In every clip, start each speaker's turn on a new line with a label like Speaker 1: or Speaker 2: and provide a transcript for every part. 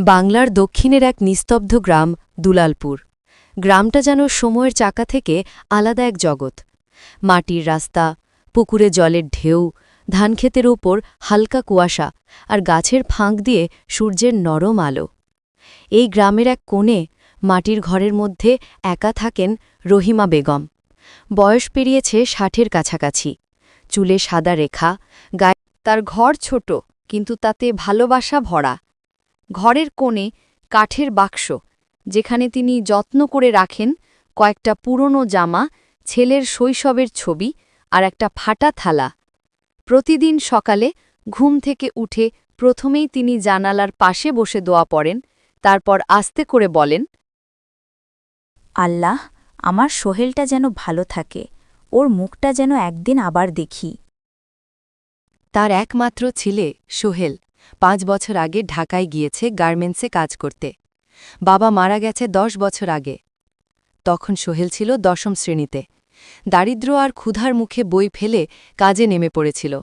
Speaker 1: বাংলার দক্ষিণের এক নিস্তব্ধ গ্রাম দুলালপুর। গ্রামটা যেন সময়ের চাকা থেকে আলাদা এক জগৎ। মাটির রাস্তা, পুকুরে জলের ঢেউ, ধানক্ষেতের ওপর হালকা কুয়াশা আর গাছের ফাঁক দিয়ে সূর্যের নরম আলো। এই গ্রামের এক কোণে মাটির ঘরের মধ্যে একা থাকেন রহিমা বেগম। বয়স পেরিয়েছে ৬০-এর কাছাকাছি, চুলে সাদা রেখা, গায়ে তার ঘর ছোট কিন্তু তাতে ভালোবাসা ভরা। ঘরের কোণে কাঠের বাক্স, যেখানে তিনি যত্ন করে রাখেন কয়েকটা পুরনো জামা, ছেলের শৈশবের ছবি আর একটা ফাটা থালা। প্রতিদিন সকালে ঘুম থেকে উঠে প্রথমেই তিনি জানালার পাশে বসে দোয়া পড়েন, তারপর আস্তে করে বলেন,
Speaker 2: আল্লাহ, আমার সোহেলটা যেন ভালো থাকে, ওর মুখটা যেন একদিন আবার দেখি।
Speaker 1: তার একমাত্র ছেলে সোহেল ৫ বছর আগে ঢাকায় গিয়েছে গার্মেন্টসে কাজ করতে। বাবা মারা গেছে ১০ বছর আগে। তখন সোহেল ছিল ১০ম শ্রেণীতে। দারিদ্র্য আর ক্ষুধার মুখে বই ফেলে কাজে নেমে পড়েছিল।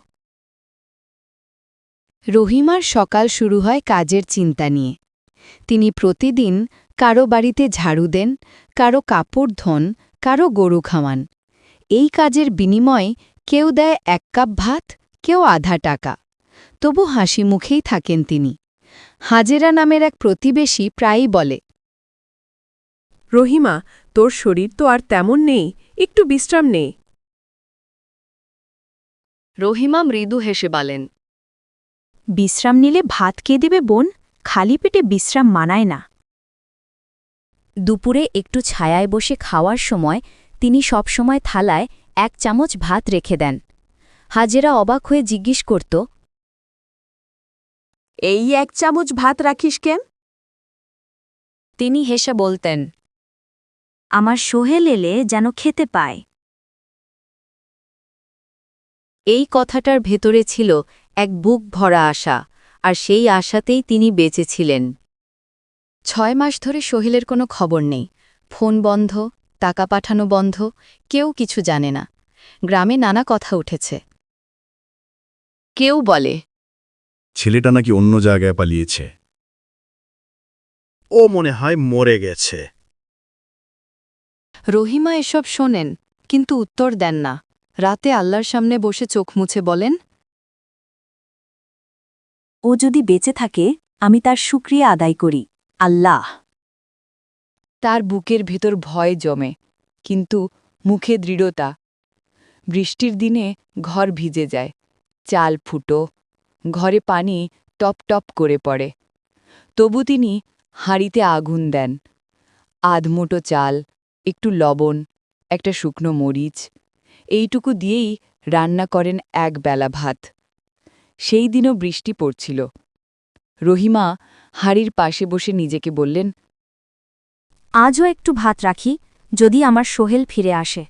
Speaker 1: রহিমার সকাল শুরু হয় কাজের চিন্তা নিয়ে। তিনি প্রতিদিন কারো বাড়িতে ঝাড়ু দেন, কারো কাপড় ধোন, কারো গরু খাওয়ান। এই কাজের বিনিময়ে কেউ দেয় ১ কাপ ভাত, কেউ আধা টাকা। তবু হাসি মুখেই থাকেন তিনি। হাজেরা নামের এক প্রতিবেশী প্রায়ই বলে,
Speaker 3: রহিমা, তোর শরীর তো আর তেমন নেই, একটু বিশ্রাম নে।
Speaker 1: রহিমা মৃদু হেসে বলেন,
Speaker 2: বিশ্রাম নিলে ভাত কে দেবে বোন? খালি পেটে বিশ্রাম মানায় না। দুপুরে একটু ছায়ায় বসে খাওয়ার সময় তিনি সবসময় থালায় ১ চামচ ভাত রেখে দেন। হাজেরা অবাক হয়ে জিজ্ঞেস করত,
Speaker 3: এই ১ চামচ ভাত রাখিস কেন?
Speaker 1: তিনি হেসে বলতেন,
Speaker 2: আমার সোহেল এলে যেন খেতে পায়।
Speaker 1: এই কথাটার ভেতরে ছিল এক বুক ভরা আশা, আর সেই আশাতেই তিনি বেঁচেছিলেন। ৬ মাস ধরে সোহেলের কোনো খবর নেই। ফোন বন্ধ, টাকা পাঠানো বন্ধ, কেউ কিছু জানে না। গ্রামে নানা কথা উঠেছে। কেউ বলে,
Speaker 4: ছেলেটা নাকি অন্য জায়গায় পালিয়েছে।
Speaker 5: ও মনে হয় মরে গেছে।
Speaker 1: রহিমা এসব শোনেন, কিন্তু উত্তর দেন না। রাতে আল্লাহর সামনে বসে চোখ মুছে বলেন,
Speaker 2: ও যদি বেঁচে থাকে, আমি তার শুকরিয়া আদায় করি, আল্লাহ।
Speaker 1: তার বুকের ভেতর ভয় জমে, কিন্তু মুখে দৃঢ়তা। বৃষ্টির দিনে ঘর ভিজে যায়, চাল ফুটো, ঘরে পানি টপ টপ করে পড়ে। তবু তিনি হাঁড়িতে আগুন দেন। আধমুটো চাল, একটু লবণ, একটা শুকনো মরিচ, এইটুকু দিয়েই রান্না করেন ১ বেলা ভাত। সেই দিনও বৃষ্টি পড়ছিল। রহিমা হাঁড়ির পাশে বসে নিজেকে বললেন,
Speaker 2: আজও একটু ভাত রাখি, যদি আমার সোহেল ফিরে আসে।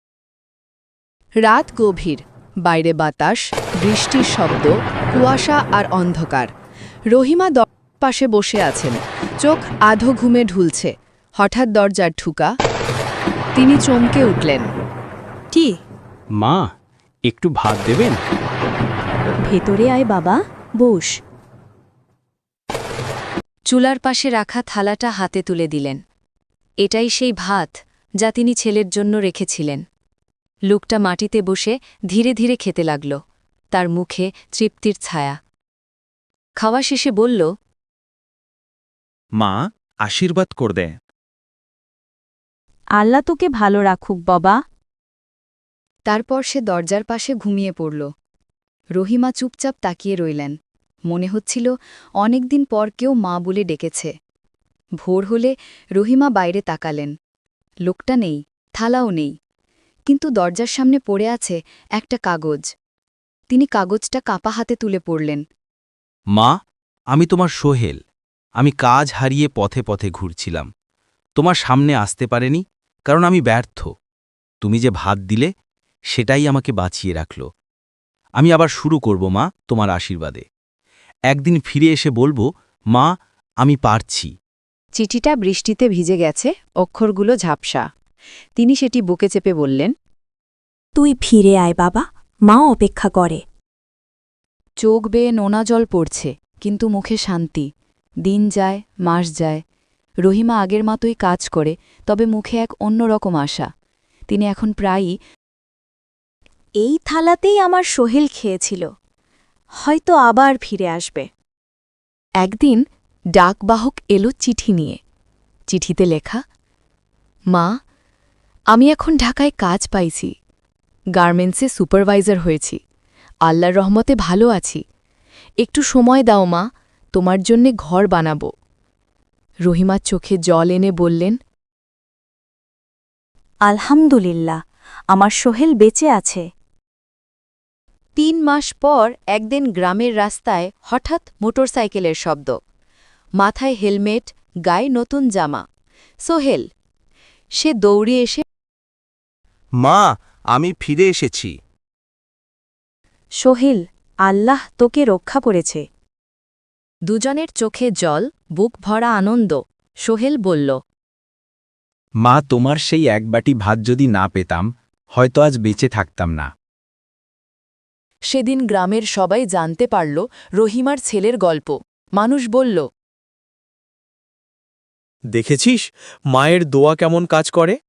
Speaker 1: রাত গভীর, বাইরে বাতাস, বৃষ্টির শব্দ, কুয়াশা আর অন্ধকার। রহিমা দরজার পাশে বসে আছেন, চোখ আধো ঘুমে ঢুলছে। হঠাৎ দরজার ঠুকা। তিনি চমকে উঠলেন।
Speaker 2: কি?
Speaker 6: মা, একটু ভাত দেবেন?
Speaker 2: ভেতরে আয় বাবা, বস।
Speaker 1: চুলার পাশে রাখা থালাটা হাতে তুলে দিলেন। এটাই সেই ভাত যা তিনি ছেলের জন্য রেখেছিলেন। লোকটা মাটিতে বসে ধীরে ধীরে খেতে লাগল, তার মুখে তৃপ্তির ছায়া। খাওয়া শেষে বলল,
Speaker 5: মা, আশীর্বাদ কর দে।
Speaker 2: আল্লাহ তোকে ভালো রাখুক বাবা।
Speaker 1: তারপর সে দরজার পাশে ঘুমিয়ে পড়ল। রহিমা চুপচাপ তাকিয়ে রইলেন। মনে হচ্ছিল অনেকদিন পর কেউ মা বলে ডেকেছে। ভোর হলে রহিমা বাইরে তাকালেন। লোকটা নেই, থালাও নেই, কিন্তু দরজার সামনে পড়ে আছে একটা কাগজ। তিনি কাগজটা কাপা হাতে তুলে পড়লেন।
Speaker 7: মা, আমি তোমার সোহেল। আমি কাজ হারিয়ে পথে পথে ঘুরছিলাম। তোমার সামনে আসতে পারেনি, কারণ আমি ব্যর্থ। তুমি যে ভাত দিলে, সেটাই আমাকে বাঁচিয়ে রাখল। আমি আবার শুরু করব মা, তোমার আশীর্বাদে। একদিন ফিরে এসে বলবো, মা, আমি পারছি।
Speaker 1: চিঠিটা বৃষ্টিতে ভিজে গেছে, অক্ষরগুলো ঝাপসা। তিনি সেটি বুকে চেপে বললেন,
Speaker 2: তুই ফিরে আয় বাবা, মা অপেক্ষা করে।
Speaker 1: চোখ বেয়ে নোনা জল পড়ছে, কিন্তু মুখে শান্তি।
Speaker 2: দিন যায়, মাস যায়। রহিমা আগের মতোই কাজ করে, তবে মুখে এক অন্যরকম আশা। তিনি এখন প্রায়ই
Speaker 1: এই থালাতেই আমার সোহেল খেয়েছিল, হয়তো আবার ফিরে আসবে। একদিন ডাকবাহক এলো চিঠি নিয়ে। চিঠিতে লেখা, মা, আমি এখন ঢাকায় কাজ পাইছি, গার্মেন্টসে সুপারভাইজার হয়েছি, আল্লাহর রহমতে ভালো আছি। একটু সময় দাও মা, তোমার জন্যে ঘর বানাব। রহিমার চোখে জল এনে বললেন,
Speaker 8: আলহামদুলিল্লাহ, আমার সোহেল বেঁচে আছে।
Speaker 1: ৩ মাস পর একদিন গ্রামের রাস্তায় হঠাৎ মোটরসাইকেলের শব্দ, মাথায় হেলমেট, গায়ে নতুন জামা। সোহেল। সে দৌড়ে এসে,
Speaker 5: মা, আমি ফিরে এসেছি।
Speaker 8: সোহেল, আল্লাহ তোকে রক্ষা করেছে।
Speaker 1: দুজনের চোখে জল, বুক ভরা আনন্দ। সোহেল বলল,
Speaker 6: মা, তোমার সেই এক বাটি ভাত যদি না পেতাম, হয়তো আজ বেঁচে থাকতাম না।
Speaker 1: সেদিন গ্রামের সবাই জানতে পারল রহিমার ছেলের গল্প। মানুষ বলল,
Speaker 5: দেখেছিস মায়ের দোয়া কেমন কাজ করে?